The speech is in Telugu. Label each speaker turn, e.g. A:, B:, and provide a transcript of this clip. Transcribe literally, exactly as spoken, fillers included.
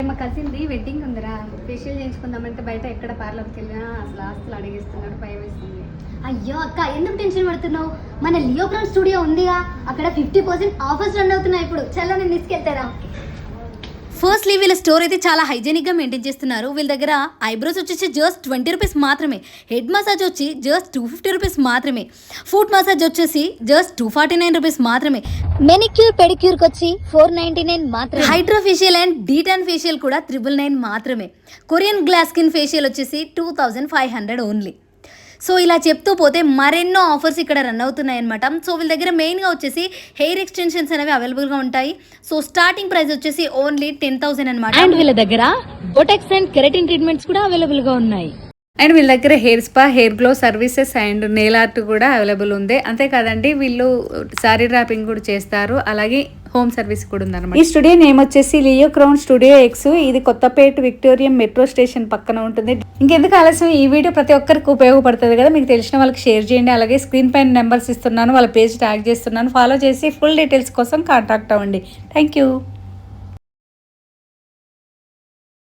A: మా కజిన్ది వెడ్డింగ్ ఉందిరా, ఫేషియల్ చేయించుకుందామంటే బయట ఎక్కడ పార్లర్కి వెళ్ళినా అసలు ఆస్తులు అడిగేస్తున్నాడు, భయం వేస్తుంది.
B: అయ్యో అక్క, ఎందుకు టెన్షన్ పడుతున్నావు? మన లియోప్రాన్ స్టూడియో ఉందిగా, అక్కడ ఫిఫ్టీ పర్సెంట్ ఆఫర్స్ రన్ అవుతున్నాయి ఇప్పుడు. చల్ల నేను తీసుకెళ్తారా?
C: ఫస్ట్లీ వీళ్ళ స్టోర్ అయితే చాలా హైజీనిక్గా మెయింటైన్ చేస్తున్నారు. వీళ్ళ దగ్గర ఐబ్రోస్ వచ్చేసి జస్ట్ ట్వంటీ రూపీస్ మాత్రమే, హెడ్ మసాజ్ వచ్చి జస్ట్ టూ ఫిఫ్టీ రూపీస్ మాత్రమే, ఫుట్ మసాజ్ వచ్చేసి just two forty nine rupees మాత్రమే,
B: మెనిక్యూర్ పెడిక్యూర్కి వచ్చి ఫోర్ నైన్టీ నైన్ మాత్రమే,
C: hydra facial and detan facial కూడా త్రిబుల్ నైన్ మాత్రమే, కొరియన్ గ్లాస్ స్కిన్ ఫేషియల్ వచ్చేసి two thousand five hundred only. So ఇలా చెప్తూ పోతే మరెన్నో ఆఫర్స్ ఇక్కడ రన్ అవుతున్నాయి అనమాట. సో వీళ్ళ దగ్గర మెయిన్గా వచ్చేసి హెయిర్ ఎక్స్టెన్షన్స్ అనేవి అవైలబుల్గా ఉంటాయి. సో స్టార్టింగ్ ప్రైస్ వచ్చేసి ఓన్లీ టెన్ థౌసండ్ అనమాట.
D: అండ్ వీళ్ళ దగ్గర బొటెక్స్ అండ్ కెరటిన్ ట్రీట్మెంట్స్ కూడా అవైలబుల్గా ఉన్నాయి.
A: అండ్ వీళ్ళ దగ్గర hair spa, hair glow services and nail art కూడా అవైలబుల్ ఉంది. అంతేకాదండి వీళ్ళు సారీ డ్రాపింగ్ కూడా చేస్తారు, అలాగే హోమ్ సర్వీస్ కూడా ఉందన్నమాట. ఈ స్టూడియో నేమ్ వచ్చేసి లియో క్రౌన్ స్టూడియో ఎక్స్. ఇది కొత్తపేట విక్టోరియా మెట్రో స్టేషన్ పక్కన ఉంటుంది. ఇంకెందుకు ఆలస్యం, ఈ వీడియో ప్రతి ఒక్కరికి ఉపయోగపడుతుంది కదా, మీకు తెలిసిన వాళ్ళకి షేర్ చేయండి. అలాగే స్క్రీన్ పైన నెంబర్స్ ఇస్తున్నాను, వాళ్ళ పేజ్ ట్యాగ్ చేస్తున్నాను, ఫాలో చేసి ఫుల్ డీటెయిల్స్ కోసం కాంటాక్ట్ అవ్వండి. Thank you.